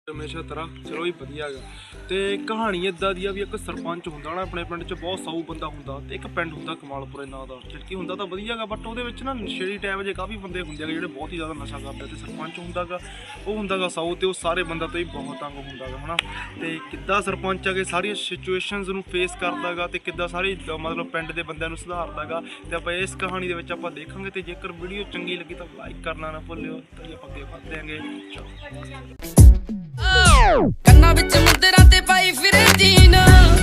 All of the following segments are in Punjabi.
हमेशा तरह चलो भी वधिया गा ते कहानी इदा दी भी एक सरपंच हुंदा ना अपने पिंड च बहुत साऊ बंदा हुंदा ते एक पिंड हुंदा कमालपुरे नां दा खिड़की हुंदा तां वधिया गा बट ओहदे विच ना नशेड़ी टाइप जे काफ़ी बंदे हुंदे जिहड़े बहुत ही ज़्यादा नशा करदे ते सरपंच हुंदा गा ओह हुंदा गा साऊ ते ओह सारे बंदा तो ही बहुत तंग हुंदा गा है ना ते किद्दां सरपंच अगे सारियां सिचुएशनस नूं फेस करदा गा ते किद्दां सारी मतलब पिंड दे बंदिआं नूं सुधारदा गा ते आपां इस कहानी दे विच आपां देखांगे ते जेकर वीडियो चंगी लगी तां लाइक करना ना भुल्लिओ ते आपां अगे वध देंगे। ਕੰਨਾਂ ਵਿੱਚ ਮੁੰਦਰਾਂ ਤੇ ਪਾਈ ਫਿਰੇ ਜੀਨ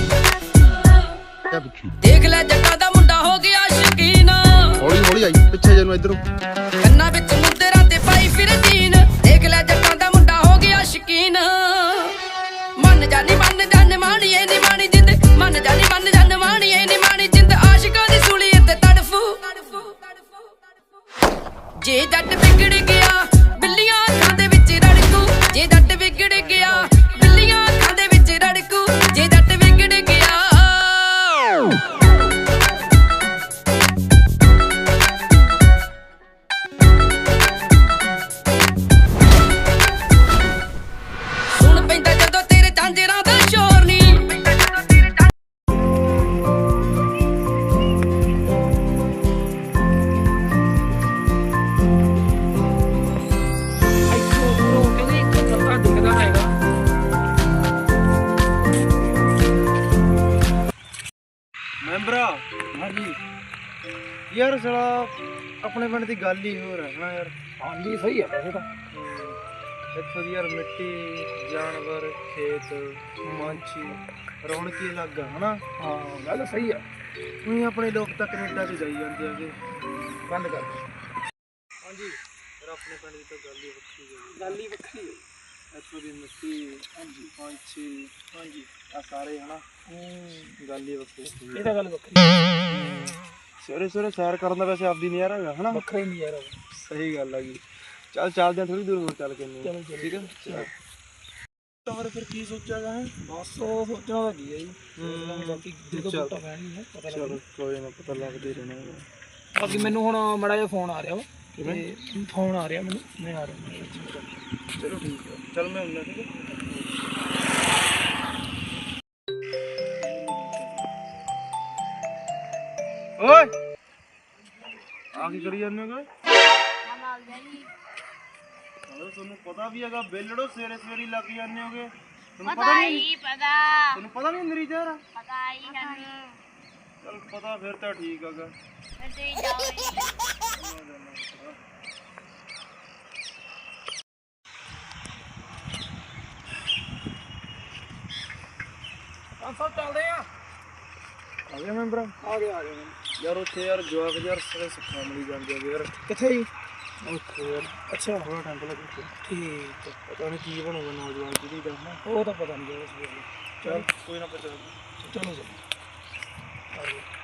ਦੇਖ ਲੈ ਜੱਟਾਂ ਦਾ ਮੁੰਡਾ ਹੋ ਗਿਆ ਸ਼ਕੀਨ ਹੌਲੀ ਹੌਲੀ ਆਈ ਪਿੱਛੇ ਜੇ ਨੂੰ ਇਧਰੋਂ ਕੰਨਾਂ ਵਿੱਚ ਮੁੰਦਰਾਂ ਤੇ ਪਾਈ ਫਿਰੇ ਜੀਨ ਦੇਖ ਲੈ ਜੱਟਾਂ ਦਾ ਮੁੰਡਾ ਹੋ ਗਿਆ ਸ਼ਕੀਨ ਮੰਨ ਜਾਨੀ ਮਾਣੀਏ ਨੀ ਮਾਣੀ ਜਿੰਦ ਮੰਨ ਜਾਨੀ ਮਾਣੀਏ ਨੀ ਮਾਣੀ ਜਿੰਦ ਆਸ਼ਿਕਾਂ ਦੀ ਸੂਲੀ ਤੇ ਤੜਫੂ ਜੇ ਜੱਟ ਵਿਗੜ ਗਿਆ ਬਿੱਲੀਆਂ ਅੱਖਾਂ ਦੇ ਵਿੱਚ ਰੜਕੂ ਜੇ ਜੱਟ ਵਿਗੜ ਗਿਆ ਬਿੱਲੀਆਂ ਅੱਖਾਂ ਦੇ ਵਿੱਚ ਰੜਕੂ ਜੇ ਜੱਟ ਵਿਗੜ ਗਿਆ ਸੁਣ ਪੈਂਦਾ ਜਦੋਂ ਤੇਰੇ ਝਾਂਜਰਾਂ ਦਾ ਸ਼ੋਰ ਨੀ ਮੈਂਬਰਾ ਹਾਂਜੀ ਯਾਰ ਸਾਲਾ ਆਪਣੇ ਪਿੰਡ ਦੀ ਗੱਲ ਹੀ ਹੋਰ ਹੈ ਨਾ ਯਾਰ। ਹਾਂਜੀ ਸਹੀ ਹੈ ਵੈਸੇ ਤਾਂ ਇੱਥੋਂ ਦੀ ਯਾਰ ਮਿੱਟੀ ਜਾਨਵਰ ਖੇਤ ਮਾਂਛੀ ਰੌਣਕੀ ਲੱਗਾ ਹਨਾ। ਹਾਂ ਗੱਲ ਸਹੀ ਆ ਉਹੀ ਆਪਣੇ ਲੋਕ ਤਾਂ ਕੈਨੇਡਾ 'ਚ ਜਾਈ ਜਾਂਦੇ ਹੈਗੇ। ਬੰਦ ਕਰ ਹਾਂਜੀ ਯਾਰ ਆਪਣੇ ਪਿੰਡ ਦੀ ਤਾਂ ਗੱਲ ਹੀ ਵੱਖਰੀ ਹੈ। ਗੱਲ ਹੀ ਵੱਖਰੀ ਹੈ ਇੱਥੋਂ ਦੀ ਮਿੱਟੀ ਹਾਂਜੀ ਪੰਛੀ ਹਾਂਜੀ ਆ ਸਾਰੇ ਹਨਾ ਗੱਲ ਹੀ ਵੱਖਰੀ ਹੈ। ਇਹ ਤਾਂ ਗੱਲ ਵੱਖਰੀ ਹੈ ਸਵੇਰੇ ਸਵੇਰੇ ਸੈਰ ਕਰਨ ਦਾ ਵੈਸੇ ਆਪਦੀ ਨਜ਼ਾਰਾ ਹੈਗਾ ਹਨਾ। ਵੱਖਰਾ ਹੀ ਨਹੀਂ ਯਾਰ ਸਹੀ ਗੱਲ ਹੈਗੀ। ਚੱਲ ਚੱਲਦੇ ਹਾਂ ਥੋੜੀ ਦੂਰ ਹੋਰ ਚੱਲ ਕੇ ਚਲੋ ਠੀਕ ਹੈ। ਤਾਂ ਫਿਰ ਕੀ ਸੋਚਿਆਗਾ ਹੈ ਬਸ ਉਹ ਸੋਚਣਾ ਤਾਂ ਕੀ ਹੈ ਜੀ ਬਾਕੀ ਜਦੋਂ ਬੂਟਾ ਪੈਣੀ ਹੈ ਪਤਾ ਚਲੋ ਕੋਈ ਨਾ ਪਤਾ ਲੱਗਦੇ ਰਹਿਣਾ। ਬਾਕੀ ਮੈਨੂੰ ਹੁਣ ਮਾੜਾ ਜਿਹਾ ਫੋਨ ਆ ਰਿਹਾ ਵਾ ਤੇ ਫੋਨ ਆ ਰਿਹਾ ਮੈਨੂੰ ਮੈਂ ਆ ਰਿਹਾ ਚਲੋ ਠੀਕ ਹੈ ਚੱਲ ਮੈਂ ਆਉਣਾ ਠੀਕ ਹੈ। ਓਏ ਆ ਕੀ ਕਰੀ ਜਾਂਦੇ ਹੋ? ਤੁਹਾਨੂੰ ਪਤਾ ਵੀ ਹੈਗਾ ਬੇਲੜੋ ਸਵੇਰੇ ਸਵੇਰੇ ਲੱਗ ਜਾਂਦੇ ਹੋਗੇ। ਤੁਹਾਨੂੰ ਪਤਾ ਨਹੀਂ ਤੁਹਾਨੂੰ ਪਤਾ ਨਹੀਂ ਅੰਦਰ ਹੀ ਜਾ ਰਹਾ ਚਲ ਪਤਾ ਫਿਰ ਤਾਂ ਠੀਕ ਹੈਗਾ। ਆਪਾਂ ਚੱਲਦੇ ਆ ਗਿਆ ਮੈਂਬਰ ਆ ਗਿਆ ਯਾਰ ਉੱਥੇ ਯਾਰ ਜਵਾਕ ਯਾਰ ਸਾਰੇ ਸਿੱਖਾਂ ਮਿਲੀ ਜਾਂਦੇ ਆ ਯਾਰ। ਕਿੱਥੇ ਜੀ ਉੱਥੇ ਯਾਰ ਅੱਛਾ ਥੋੜਾ ਟਾਈਮ ਲੱਗੂ ਠੀਕ ਹੈ ਪਤਾ ਨਹੀਂ ਕੀ ਬਣੂਗਾ ਨੌਜਵਾਨ ਪੀੜ੍ਹੀ ਦਾ ਨਾ। ਉਹ ਤਾਂ ਪਤਾ ਨਹੀਂ ਚੱਲ ਕੋਈ ਨਾ ਪਤਾ ਚਲੋ ਆ